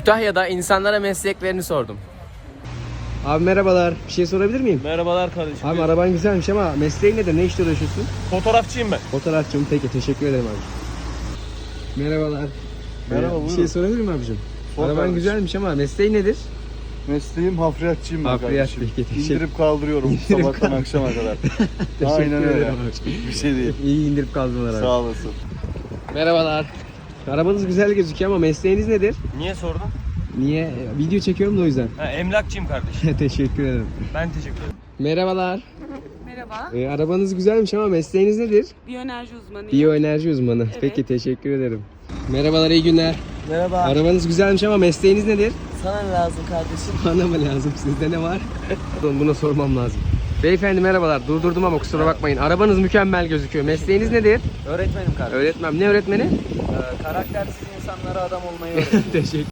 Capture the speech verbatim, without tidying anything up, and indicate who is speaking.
Speaker 1: Kütahya'da insanlara mesleklerini sordum. Abi merhabalar. Bir şey sorabilir miyim?
Speaker 2: Merhabalar kardeşim.
Speaker 1: Abi araban güzelmiş ama mesleğin nedir? Ne işle uğraşıyorsun?
Speaker 2: Fotoğrafçıyım ben.
Speaker 1: Fotoğrafçım. Peki teşekkür ederim abi. Merhabalar.
Speaker 3: Merhaba,
Speaker 1: Ee, bir
Speaker 3: buyurun.
Speaker 1: şey sorabilir miyim abicim?
Speaker 3: Sor
Speaker 1: Araban
Speaker 3: kardeşim.
Speaker 1: güzelmiş ama mesleğin nedir?
Speaker 3: Mesleğim hafriyatçıyım ben
Speaker 1: Hafriyat,
Speaker 3: kardeşim.
Speaker 1: peki, teşekkür-
Speaker 3: İndirip kaldırıyorum
Speaker 1: İndirip
Speaker 3: sabahtan
Speaker 1: kaldır-
Speaker 3: akşama kadar.
Speaker 1: Teşekkür
Speaker 3: Aynen öyle.
Speaker 1: ederim abi.
Speaker 3: Bir şey değil.
Speaker 1: İyi indirip kaldırdılar abi.
Speaker 3: Sağ olasın.
Speaker 1: Merhabalar. Arabanız güzel gözüküyor ama mesleğiniz nedir?
Speaker 2: Niye sordun?
Speaker 1: Niye? Video çekiyorum da o yüzden.
Speaker 2: Ha, emlakçıyım kardeşim.
Speaker 1: Teşekkür ederim.
Speaker 2: Ben teşekkür ederim.
Speaker 1: Merhabalar.
Speaker 4: Merhaba,
Speaker 1: Ee, arabanız güzelmiş ama mesleğiniz nedir?
Speaker 4: biyoenerji uzmanıyım.
Speaker 1: Biyoenerji uzmanı.
Speaker 4: Evet.
Speaker 1: Peki teşekkür ederim. Merhabalar, iyi günler.
Speaker 5: Merhaba.
Speaker 1: Arabanız güzelmiş ama mesleğiniz nedir?
Speaker 5: Sana ne lazım kardeşim?
Speaker 1: Bana mı lazım? Sizde ne var? Pardon, buna sormam lazım. Beyefendi merhabalar. Durdurdum ama kusura bakmayın. Arabanız mükemmel gözüküyor. Mesleğiniz nedir?
Speaker 5: Öğretmenim kardeşim.
Speaker 1: Öğretmem. Ne öğretmeni?
Speaker 5: Ee, karaktersiz insanlara adam olmayı öğretiyorum.
Speaker 1: Teşekkür